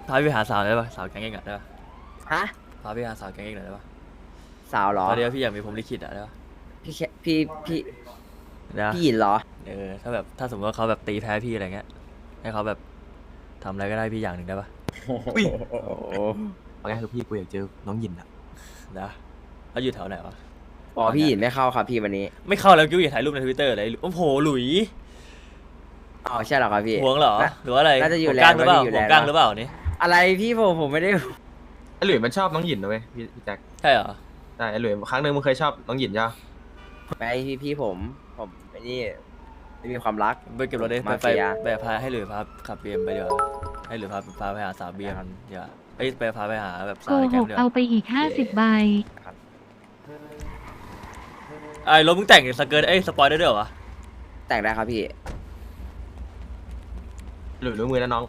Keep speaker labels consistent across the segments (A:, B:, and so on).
A: พาพี่ไปหาสาวได้ปะสาวแก๊งเองอะได้ปะ
B: ฮะ
A: พาพี่ไปหาสาวแก๊งเองหน่อยได้ปะ
B: สาวเหรอ
A: ตอนนี้พี่อยากมีผมลิขิตอะได้ปะ
B: พี่แค่พี่
A: นะ
B: พี่หยินเหรอ
A: ถ้าแบบถ้าสมมติว่าเขาแบบตีแพ้พี่อะไรเงี้ยให้เขาแบบทำอะไรก็ได้พี่อย่างหนึ่งได้ปะ
C: อุ้ย
B: โอ้โห
C: เอาง่ายคือพี่กูอยากเจอน้องหยินอะ
A: นะเขาอยู่แถวไหนวะ
B: อ๋อพี่หยินไม่เข้าครับพี่วันนี้
A: ไม่เข้าแล้วกิ้วอย่าถ่ายรูปในทวิตเตอร์เลยโอ้โหหลุย
B: อ๋อใช่เหรอครับพี่
A: หวงเหรอหรือว่าอะไร
B: น่าจะอยู่
A: หัวก้างหรือเปล่า
B: แรง
A: หัว
B: น่าจะอยู่แรง
A: ก้างหรือเปล่านี่
B: อะไรพี่ผมไม่ได้
C: ไอ้หลุยมันชอบน้องหยินนะเว้ยพี่แจ็ค
A: ใช่เหรอ
C: ใช่ไอ้หลุยครั้งหนึ่งมึงเคยชอบน้องหยินใช่ปะ
B: ไม่พี่ผมไอ้นี่ไม่มีความรัก
A: ไปเก็บรถได้
B: มา
A: ไป
B: เฟีย
A: ไปพาให้หรือพาขับเบียมไปเดี๋ยวาให้หรือพาไปหาสาวเบียมเดี๋ยวาเอ้ยไปพาไปหาแบบ
D: โก
A: สาวใน
D: ห
A: แก๊ง
D: ก
A: เดี๋ยว
D: เอาไปอีก50 ใบ
A: ไอ้รถมึงแต่งสเกิร์ตสปอยได้ด้วยเหรอวะ
B: แต่งได้ครับพี่
C: หลุยรู้มือแล้วน้อง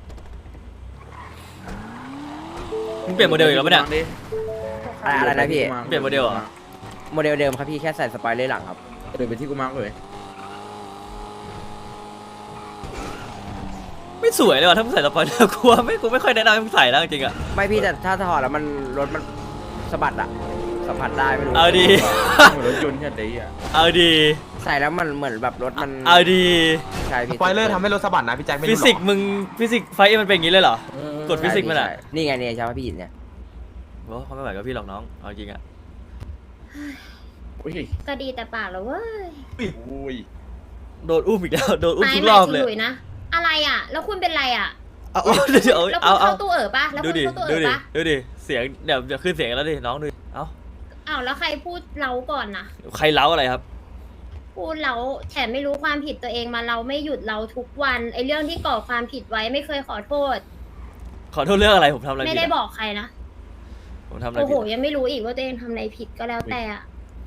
A: มึงเปลี่ยนโมเดลอีกแล้วปะเนี่ย
B: อะไรนะพี่
A: เปลี่ยนโมเดลเหรอ
B: โมเดลเดิมครับพี่แค่ใส่สปอยเลอร์หลังครับ
E: เดินไปที่กูมาร์กเลย
A: ไม่สวยเลยว่ะถ้ามึงใส่สปอยเลอร์กูว่าไม่กูไม่ค่อยแนะนำให้มึงใส่แล้วจริงๆอ่ะ
B: ไม่พี่แต่ถ้าถอดแล้วมันรถมันสะบัดอะสัมผัสได้ไม่รู้
A: เอาดี
E: เหมือนรถยนต์แค่ดีอ่ะ
A: เอาดี
B: ใส่แล้วมันเหมือนแบบรถมัน
A: เอาดี
B: ใช่
C: ส
B: พี่
C: ปอยเลอร์ทำให้รถสะบัดนะพี่แจ็คไม่
A: ฟิ
C: รู้หร
A: สิก
C: อ
A: ส์มึงฟิสิกส์ไฟมันเป็นอย่างนี้เลยเหรอ กดฟิสิกส์มันอะ
B: ใช่นี่ไงเนี่ยใช่ไหมพี่หยินเนี่ย
A: โอ้เขาไม่ไหวกับพี่หรอกน้องเอาจริงอ่ะ
E: อุ้ย
F: ก็ดีแต่ปากเหรอเว้ย
E: อุ้ย
A: โดนอุ้มอีกแล้วโดนอุ้ม
F: ไม่
A: ทุก
F: ห
A: ร
F: มา
A: อย บ
F: ถึง
A: เลย
F: หลุยนะ อะไรอ่ะ แล้วคุณเป็นไรอ่ะ
A: เอาเดี๋ยว
F: แล้วคุ
A: เอา
F: ณ
A: เอา
F: เข้าตู้เอ๋อปะแล้ว
A: ดู
F: คุณ
A: ดิ
F: เข้าตู้
A: ดู
F: เอ๋อ
A: ดิ
F: ปะ
A: ดูดิเสียงเดี๋ยวจะขึ้นเสียงแล้วดิน้องดูดิเอ้า
F: อ้าวแล้วใครพูดเราก่อนนะ
A: ใครเล้าอะไรครับ
F: พูดเราแถมไม่รู้ความผิดตัวเองมาเราไม่หยุดเราทุกวันไอ้เรื่องที่ก่อความผิดไว้ไม่เคยขอโทษ
A: ขอโทษเรื่องอะไรผมทำอะไร
F: ไม่
A: ผิด
F: ได้
A: อะ
F: บอกใครนะ
A: ผมทำอะไร
F: โอ้โห
A: ผิดอะ
F: ยังไม่รู้อีกว่าตัวเองทำอะไรผิดก็แล้วแต่อะ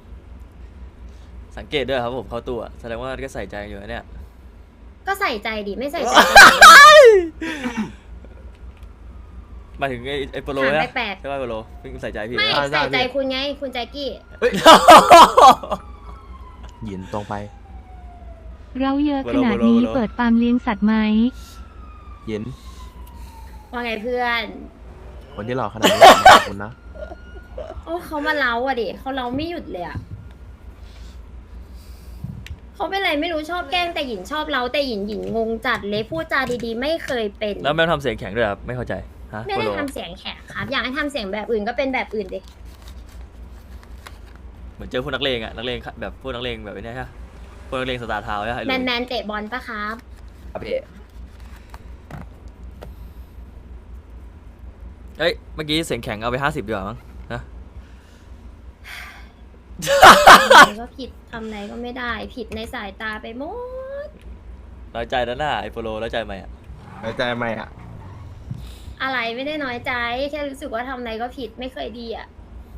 A: สังเกตด้วยครับผมเข้าตัวแสดงว่าก็ใส่ใจอยู่นะเนี่ย
F: ก็ใส่ใจดิไม่ใส่ใจ
A: หมายถึงไอ้โปโล
F: ถาม
A: นะ
F: แปลก
A: ใช่ป่ะโปโลเพิ่งใส่ใจพี่
F: ๆไม่
A: นะ
F: ใส่ใจคุณไงคุณแจ็คกี้
C: หยินตรงไป
D: เราเยอะขนาดนี้เปิดฟาร์มเลี้ยงสัตว์ไหม
C: หยิน
F: ว่าไงเพื่อน
C: คนที่หล่อขนาดนี้ขอบคุณนะ
F: โอ้เขามาเล้าอ่ะดิเขาเล้าไม่หยุดเลยอ่ะเขาเป็นไรไม่รู้ชอบแกล้งแต่หญิงชอบเล้าแต่หญิงงงจัดเลยพูดจาดีๆ ไม่เคยเป็น
A: แล้วแม่ทำเสียงแข็งด้วยครับไม่เข้าใจฮะ
F: ไม่
A: โป
F: ได้
A: โล
F: ทำเสียงแข็งครับ อยากให้ทำเสียงแบบอื่นก็เป็นแบบอื่นดิ
A: เหมือนเจอพวกนักเลงอะนักเลงแบบพวกนักเลงแบบนี้ใช่ไหมพวกนักเลงสตาร์ทาวน์ใช่ไหม
F: แมนเตะบอลปะครับ
B: ครับพี่
A: เอ้ยเมื่อกี้เสียงแข็งเอาไป50ดีกว่ามั้งนะ
F: ก็ผิดทำอะไรก็ไม่ได้ ผิดในสายตาไปหมด
A: น้อยใจแล้วน่ะไอ้โปโลน้อยใจไหมอะ
C: หายใจไหมอะ
F: อะไรไม่ได้น้อยใจ แค่รู้สึกว่าทำอะไรก็ผิดไม่เคยดีอ่ะ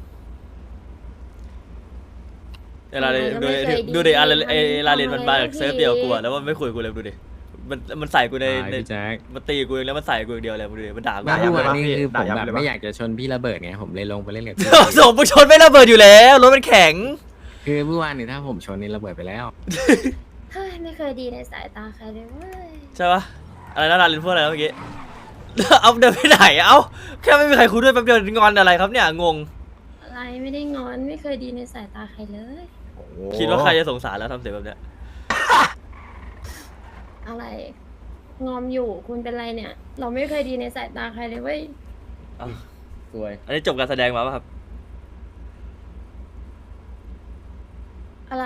A: เวลาเรียน
F: ทำไมก็ไม่เคยดี
A: ดูดิอะไรไอ้ลาเรียนมันมา
F: ทำไม
A: จากเซิร์ฟเดียวกูอะแล้วมันไม่คุยกับกูเลยดูดิมันใส่กูใน
G: พี่แจ็ค
A: มันตีกูเองแล้วมันใส่กูอย่างเดียวเลยมึงดูดิมันด่ากู
G: เมื่อวานนี่คือผม
C: ด่ายับ
G: แบบ
C: เลย
G: ไม่
C: ปะ
G: อยากจะชนพี่ระเบิดไงผมเลยลงไปเล่นกับพี่
A: ส่งมึงชนไม่ระเบิดอยู่แล้วรถมันแข็ง
G: คือเมื่อวานนี่ถ้าผมชนนี่ระเบิดไปแล้ว
F: เฮ้ยไม่เคยดีในสายตาใครเลยเว้ย
A: ใช่ปะอะไรนะลาเรียนพูดอะไรนะเมื่อกี้ เอาเดินไปไหนเอ้าแค่ไม่มีใครคุยด้วยแป๊บเดียวงอนอะไรครับเนี่ยงง
F: อะไรไม่ได้งอนไม่เคยดีในสายตาใครเลย
A: คิดว่าใครจะสงสารแล้วทำเสียงแบบเนี้ย
F: อะไร งอมอยู่คุณเป็นไรเนี่ย เราไม่เคยดีในสายตาใครเลยเว้ย
A: เอ้า
E: สวย
A: อันนี้จบการแสดงมาป่ะครับ
F: อะไร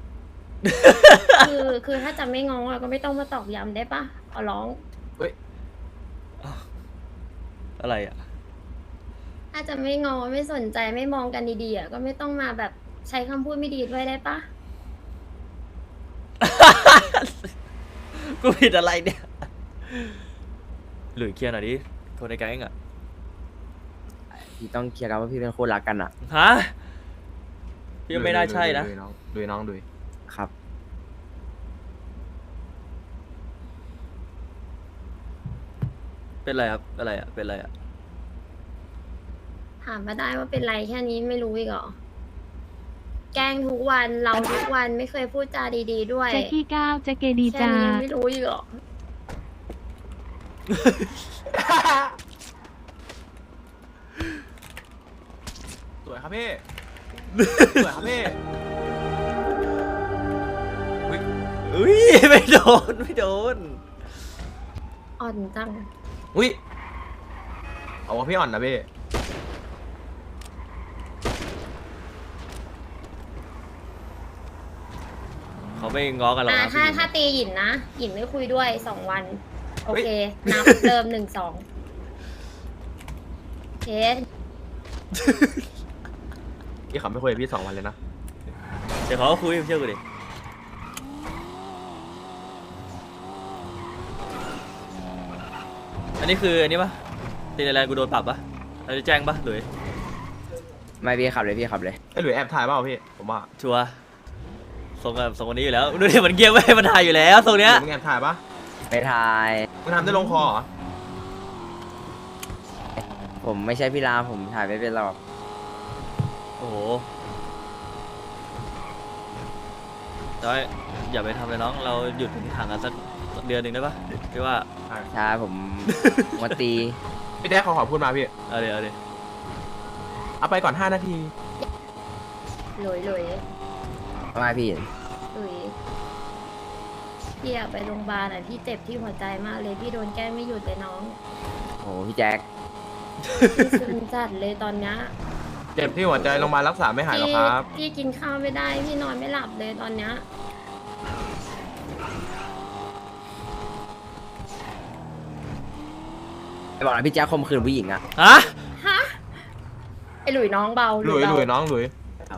F: คือถ้าจะไม่งองอะก็ไม่ต้องมาตอกย้ำได้ปะขอร้อง
A: อะไรอ่ะ
F: ถ้าจะไม่งอไม่สนใจไม่มองกันดีๆอะก็ไม่ต้องมาแบบใช้คำพูดไม่ดีด้วยได้ปะ
A: กูผิดอะไรเนี่ยหลุยเคลียร์หน่อยดิคนในแก๊งอ่ะ
B: พี่ต้องเคลียร์กันว่าพี่เป็นคนรักกันอ่ะ
A: ฮะพี่ว่าไม่น่าใช่นะ
C: ดูน้องดูน้องดู
B: ครับ
A: เป็นไรครับอะไรอ่ะเป็นไรอ่ะ
F: ถามมาได้ว่าเป็นไรแค่นี้ไม่รู้อีกเหรอ แกล้งทุกวันเราทุกวันไม่เคยพูดจาดีๆด้วย
D: แจ็คกี้ก้าวแจ็คเกดี
F: แค่
D: จา
F: นี้ยังไม่รู้อีกเหรอ
C: วยครับพี่สวยครับพี่
A: อุ้ยไม่โดนไม่โดน
F: อ่อนจัง
C: อุ้ยเอาว่าพี่อ่อนนะพี่
A: เขาไม่ง้อกันหรอกนะ
F: ถ้าตีหยินนะหยินไม่คุยด้วย2 วัน โอเค นับเริ่ม1 2เคส
C: พี่เขาไม่คุยกับพี่2 วันเลยนะ
A: เดี๋ยวเขาก็คุยเชื่อกูดิอันนี้คืออันนี้ปะตีอะไรกูโดนปรับปะเราจะแจ้งปะหรือ
B: ไม่พี่ขับเลยพี่ขับเลย
C: ไอ้หลุยแอบถ่ายเปล่าพี่ผมว่า
A: ชัวร์ส่งแบบส่งวันนี้อยู่แล้วดูดิมันเกียร์ไม่ให้มันถ่ายอยู่แล้วตรงเนี้ย
C: หลุยมึงแอบถ่ายปะ
B: ไปทาย
C: มึงทำได้ลงคอเหรอ
B: ผมไม่ใช่พี่รามผมถ่ายไม่เป็นหรอก
A: โอ้โหแต่ว่าอย่าไปทำเลยน้องเราหยุดห่างกันสักเดือนหนึ่งได้ปะพี่ว่า
B: ใช่ผม มาตี
C: พี่แด๊กขอพูดมาพี่
A: เอาดี๋ยว
C: เอาไปก่อน5 นาที
F: หลุย
B: มาพี่
F: พี่อยากไปโรงพยาบาลอ่ะพี่เจ็บที่หัวใจมากเลยพี่โดนแกล้งไม่หยุดเลยน้อง
B: โอ้พี่แจ็ค
F: พี่ซึมจัดเลยตอนเนี้ย
C: เจ็บที่หัวใจโรงพยาบาลรักษาไม่หายหรอกครับ
F: พี่กินข้าวไม่ได้พี่นอนไม่หลับเลยตอนเนี้ย
B: ไปบอกนะพี่แจ็คข่มขืนผู้หญิงอะ
A: ฮะ
F: ฮะไอหลุยน้องเบา
C: หลุย
F: เบา
C: หลุยน้องหลุย
B: เอา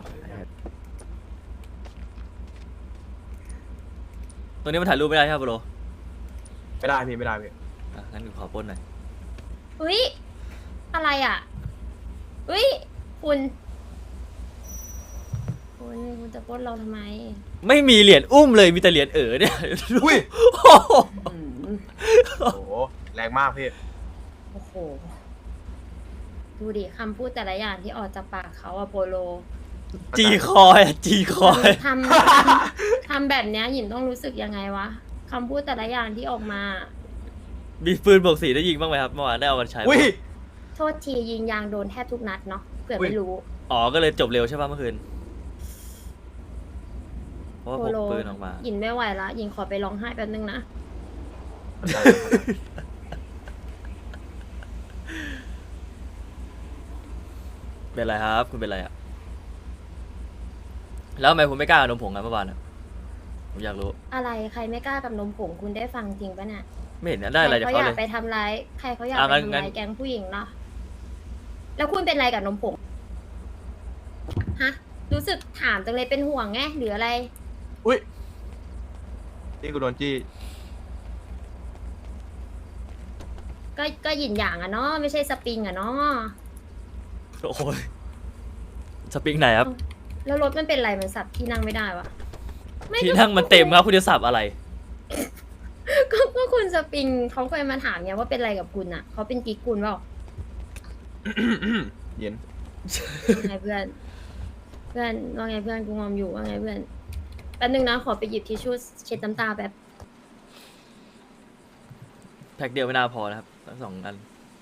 A: ตรงนี้มันถ่ายรูปไม่ได้ใช่ไหมโปร
C: ไม่ได้พี่ไม่ได้พี่
A: อ่ะงั้นกูขอปล้นหน่อย
F: อุ้ยอะไรอ่ะอุ้ยคุณจะปล้นเราทำไม
A: ไม่มีเหรียญอุ้มเลยมีแต่เหรียญเนี่ย
C: อุ้ย
A: โอ้โห
C: โอ้โหแรงมากพี่
F: โอ้โหดูดิคำพูดแต่ละอย่างที่ออกจากปากเขาอะโปโล
A: จีคอยจีคอย
F: ทำแบบเนี้ยหยินต้องรู้สึกยังไงวะคำพูดแต่ละอย่างที่ออกมา
A: มีปืนบวกสีได้ยิงบ้างไหมครับเมื่อวานได้เอามาใช้ปะ
C: อุ้ย
F: โทษทียิงยางโดนแทบทุกนัดเนาะเผื่อไม่รู้
A: อ๋อก็เลยจบเร็วใช่ป่ะเมื่อคืนเพราะว่า
F: โป
A: พก
F: โล
A: ปืนออกมา
F: หยินไม่ไหวละหยินขอไปร้องไห้แป๊บนึงนะ
A: เป็นไรครับคุณเป็นไรอ่ะแล้วทำไมคุณไม่กล้ากับนมผงกันเมื่อวานอ่ะผมอยากรู้
F: อะไรใครไม่กล้ากับนมผงคุณได้ฟังจริงปะเนี่ย
A: ไม่เห็นได้อะไรจาก
F: ใคร
A: เขา
F: เขาอ
A: เล
F: ยาก
A: ย
F: ไปทำร้ายใครเขาอยาก
A: อ่ะ
F: ไป
A: งั้น
F: ทำร้ายแก๊งผู้หญิงเนาะแล้วคุณเป็นอะไรกับนมผงฮะรู้สึกถามจังเลยเป็นห่วงไงหรืออะไร
C: อุ้ยนี่กูโดนจี้
F: ก็หยินอย่างอะเนาะไม่ใช่สปริงอะเนาะ
A: โอ้ยสปริงไหนครับ
F: แล้วรถมันเป็นอะไรมันสับที่นั่งไม่ได้วะไม่
A: ที่นั่งมันเต็มครับคุณจะสับอะไร
F: ก็คุณสปริงเขาเคยมาถามเนี่ยว่าเป็นอะไรกับคุณอะเขาเป็นกิ๊กคุณเปล่า
C: เย็น
F: ว่าไงเพื่อนว่าไงเพื่อนกูงอมอยู่ว่าไงเพื่อนแป๊บนึงนะขอไปหยิบทิชชู่เช็ดน้ำตาแป๊บ
A: แพ็คเดียวไม่น่าพอนะครับทั้ง2 อัน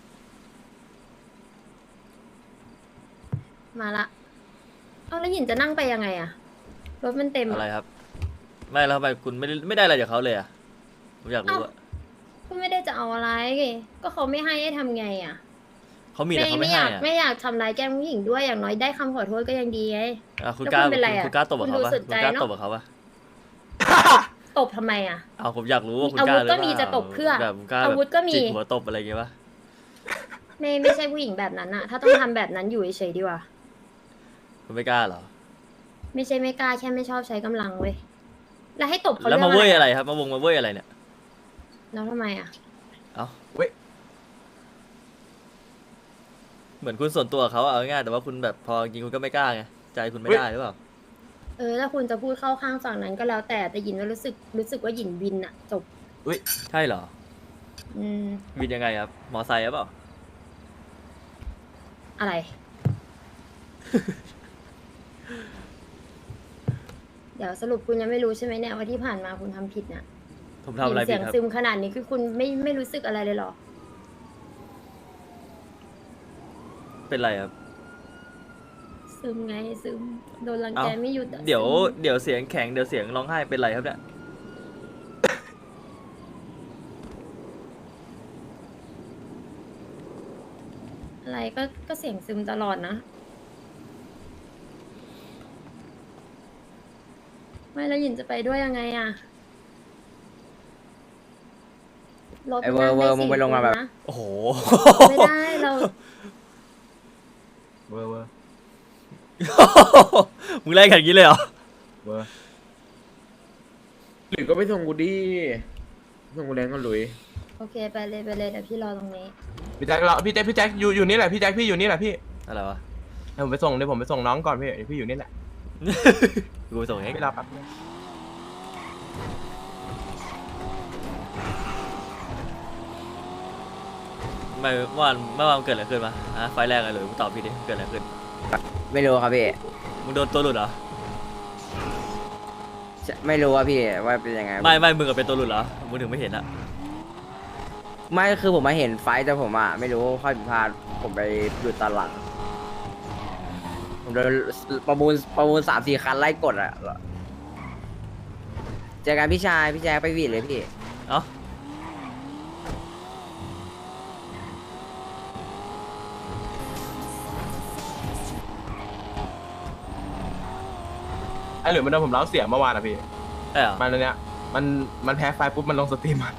F: มาละเอาแล้วหยินจะนั่งไปยังไงอะรถมันเต็ม
A: อะไร
F: อะ
A: ครับ ไม่แล้วทำไมคุณไม่ได้อะไรจากเขาเลยอ่ะผมอยากรู้อ่ะ
F: ก็ไม่ได้จะเอาอะไรก็เขาไม่ให้ทำไงอะ
A: เขามีแต่เขาไม่ให้อ่ะ
F: ไม่อยากทำร้ายแกล้งผู้หญิงด้วยอย่างน้อยได้คำขอโทษก็ยังดีไง
A: อ่ะคุณ
F: แล้ว
A: กล้า
F: คุณเป็นไรอ่ะ
A: คุณกล้าตบกับเขา
F: คุณดู
A: ปะ
F: สุด
A: คุ
F: ใจ
A: ณกล้า
F: เนอะ
A: ตบกับเขาปะ
F: ตบทำไมอะ
A: เอาผมอยากรู้ว่าคุณ
F: อาก วุ
A: ล้า
F: ธ
A: หรือเป
F: ก็
A: ล่า
F: มีจะตบเพื่อ
A: แบบคุณกล้า
F: อาวุธก็มี
A: จิกหัวตบอะไรอย่างเงี้ยปะ
F: ไม่ใช่ผู้หญิงแบบนั้นอะถ้าต้องทำแบบนั้นอยู่เฉยๆดีกว่า
A: คุณไม่กล้าเหรอ
F: ไม่ใช่ไม่กล้าแค่ไม่ชอบใช้กำลังเว้ยแล้วให้ตบเขา
A: แล้ว
F: เรื่
A: มา
F: อง
A: เว้ย
F: อะ
A: อะไร ไรครับมาเว้ยอะไรเนี่ย
F: แล้วทำไมอะ
A: เอ้า
C: เว้ย
A: เหมือนคุณส่วนตัวกับเขาอะเอาง่ายๆแต่ว่าคุณแบบพอจริงคุณก็ไม่กล้าไงใจคุณไม่ได้หรือเปล่า
F: ถ้าคุณจะพูดเข้าข้างฝั่งนั้นก็แล้วแต่หยินว่ารู้สึกว่าหยินวินอะจบ
A: ใช่เหรอ
F: อืม
A: วินยังไงครับมอไซค์หรือเปล่า
F: อะไร เดี๋ยวสรุปคุณยังไม่รู้ใช่ไหมเนี่ยว่าที่ผ่านมาคุณทำผิดเนี่ย
A: ผมทำอะไร
F: เสี
A: ผิด
F: ยง
A: ครับ
F: ซึมขนาดนี้คือคุณไม่รู้สึกอะไรเลยเหรอ
A: เป็นไรครับ
F: ซึมไงซึมโดนรังแกไม่หยุดอะ
A: เดี๋ยว
F: ซึม
A: เดี๋ยวเสียงแข็งเดี๋ยวเสียงร้องไห้เป็นไรครับเนี่ย
F: อะไรก็เสียงซึมตลอดนะไม่แล้วหยินจะไปด้วยยังไงอะรถ
B: ไอ้เวอร์เวอร์มึงไปลงมาแบบ
F: นะ
A: โอ้โห
F: ไม่ได้เรา
C: เวอร์เวอร์
A: มึงไล่กันอย่างนี้เลยเหรอ
C: เวอร์
E: หลุยก็ไปส่งกูดิส่งกูแรงก็หลุย
F: โอเคไปเลยเดี๋ยวพี่รอตรงนี้
C: พี่แจ็คเราพี่แจ็คอยู่นี่แหละพี่แจ็คพี่อยู่นี่แหละพี่
A: อะไรวะ
C: เดี๋ยวผมไปส่งน้องก่อนพี่เดี๋ยวพี่อยู่นี่แหละ
A: กูไปส่งเอง
C: พี่รอแป๊บนึง
A: ไม่เมื่อวานเกิดอะไรขึ้นมาฮะไฟล์แรกอะไรเลยมึงตอบพี่ดิเกิดอะไรขึ้น
B: ไม่รู้ครับพี่
A: มึงโดนตัวหลุดเหรอ
B: ไม่รู้ว่าพี่ว่าเป็นยังไง
A: ไม่มึงกับเป็นตัวหลุดเหรอมึงถึงไม่เห็นอะ
B: ไม่คือผมมาเห็นไฟท์แต่ผมอ่ะไม่รู้ข้อผิดพลาดผมไปดูตอนหลังผมโดนประมูล3-4 คันไล่กดอ่ะเจอกันพี่ชายพี่แจ๊คไปหวีดเลยพี่
A: เอ้า
C: ไอ้หลุยมันโดนผมเล้าเสียเมื่อวานอะพี่
A: ได้เหรอ
C: มันอันเนี้ยมันแพ้ไฟปุ๊บมันลงสตรีมอะ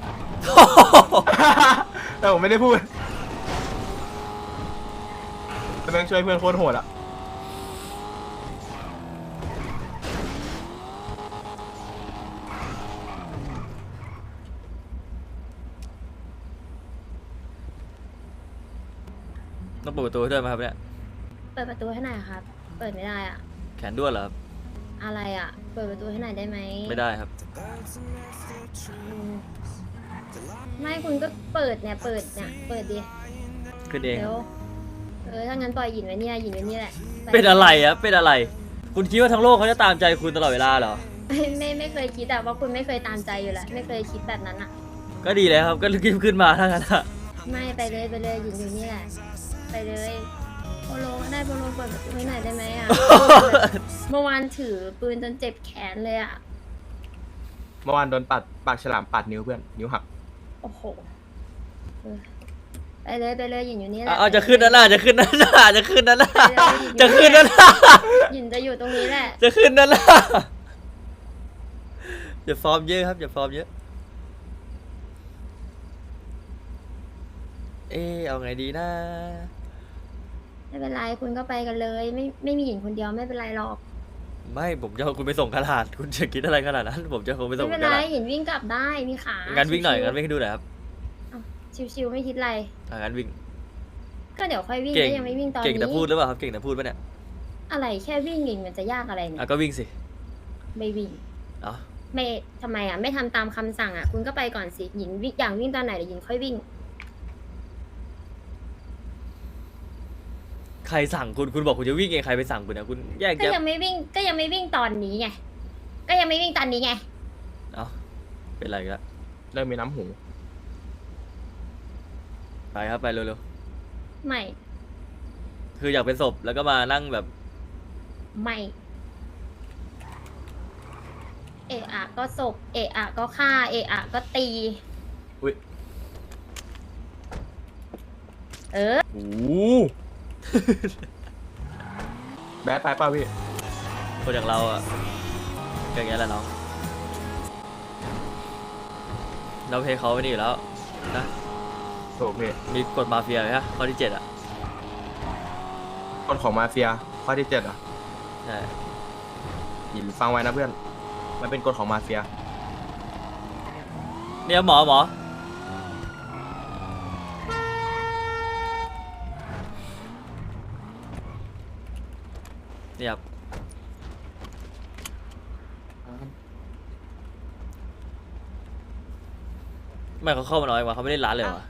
C: แต่ผมไม่ได้พูดแต่แม่งช่วยเพื่อนโคตรโหดอะ
A: ต้องเปิดประตูให้ด้วยไหมครับเนี่ย
F: เปิดประตูให้หน่อยครับ เปิดไม่ได้อะ
A: แขนด้วนเหรอครับ
F: อะไรอะเปิดประตูให้หน่อยได้ไหม
A: ไม่ได้ครับ
F: อืมไม่คุณก็เปิดเนี่ยเปิดดิ
A: ขึ้นเอง
F: เดี๋ยวถ้างั้นปล่อยหยินไว้เนี่ยหยินไว้เนี่ยแหละ
A: เป็นอะไรอะเป็นอะไร คุณคิดว่าทั้งโลกเขาจะตามใจคุณตลอดเวลาเหรอ
F: ไม่เคยคิดอะว่าคุณไม่เคยตามใจอยู่แล้วไม่เคยคิดแบบนั้นอะ
A: ก็ดีแล้วครับ ก็รีบขึ้นมาถ้างั้นอะ
F: ไม่ไปเลยหยินอยู่นี่แหละไปเลยโปโลก็ได้โปโลเปิดประตูให้หน่อยได้ไหมอะ เมื่อวานถือปืนจนเจ็บแขนเลยอะ
C: เมื่อวานโดนปัดปากฉลามปัดนิ้วเพื่อนนิ้วหัก
F: โอ้โหเออไปเลยหยินอยู่นี่แหละ
A: เอาจะขึ้นนั่นน่ะจะขึ้นนั่นน่ะจะขึ้นนั่นน่ะ
F: ไปเลย
A: จะขึ้นนั่นน่ะ
F: หยินจะอยู่ตรงนี้แหละ
A: จะขึ้นนั่นน่ะอย่าฟอร์มเยอะครับอย่าฟอร์มเยอะ เอาไงดีนะ
F: ไม่เป็นไรคุณก็ไปกันเลย ไม่มีหญิงคนเดียวไม่เป็นไรหรอก
A: ไม่ผมจะเอาคุณไปส่งกระดาษคุณจะคิดอะไรขนาดนั้น ผมจะเอาคุณไปส่
F: ไม่
A: ง
F: เป็น
A: กระ
F: ไร
A: ดาษ
F: หญิงวิ่งกลับได้มีขา
A: งั้
F: งั้
A: นวิ่งหน่อยงั้นวิ่งให้ดูหน่อยครับ
F: ชิวๆไม่คิดอะไร
A: งั้นวิ่ง
F: ก็เดี๋ยวค่อยวิ่ง
A: เก่ง
F: ก็ยังไม่วิ่งตอน
A: เก่ง
F: นี้
A: แต่พูดหรือเปล่าครับเก่งแต่พูดปะเนี่ย
F: อะไรแค่วิ่งเองมันจะยากอะไรเนี่ย
A: ก็วิ่งสิ
F: ไม่วิ่ง
A: เอ้า
F: ไม่ทำไมอ่ะไม่ทำตามคำสั่งอ่ะคุณก็ไปก่อนสิหญิงวิ่งอย่างวิ่งตอนไหนเดี๋ยวหญิงค่อยวิ่ง
A: ใครสั่งคุณบอกคุณจะวิ่งเองใครไปสั่งคุณเนี่ยคุณแยก
F: ก็
A: แยะ
F: ยังไม่วิ่งตอนนี้ไงก็ยังไม่วิ่งตอนนี้ไง
A: เอ้าเป็นไรกัน
C: เริ่มมีน้ำหู
A: ไปครับไปเร็ว
F: ไม่
A: ๆคืออยากเป็นศพแล้วก็มานั่งแบบ
F: ไม่เอะอะก็ศพเอะอะก็ฆ่าเอะอะก็ตี
C: อุ้ย
F: เออ
C: โอ้โห แบดไปเปล่าพี่
A: คนอย่างเราอะก็อย่างเงี้ยแหละน้องเราเพลเขาไม่ดีอยู่แล้วนะ
C: โถพี่
A: มีกฎมาเฟียเลยฮะข้อที่ 7อะ
C: กฎของมาเฟียข้อที่ 7อ่ะ
A: ใช่
C: หยินฟังไว้นะเพื่อนมันเป็นกฎของมาเฟีย
A: เนี่ยหมอเนี่ยครับไม่เขาเข้ามาน้อยกว่าเขาไม่ได้ร้านเลยเหรอ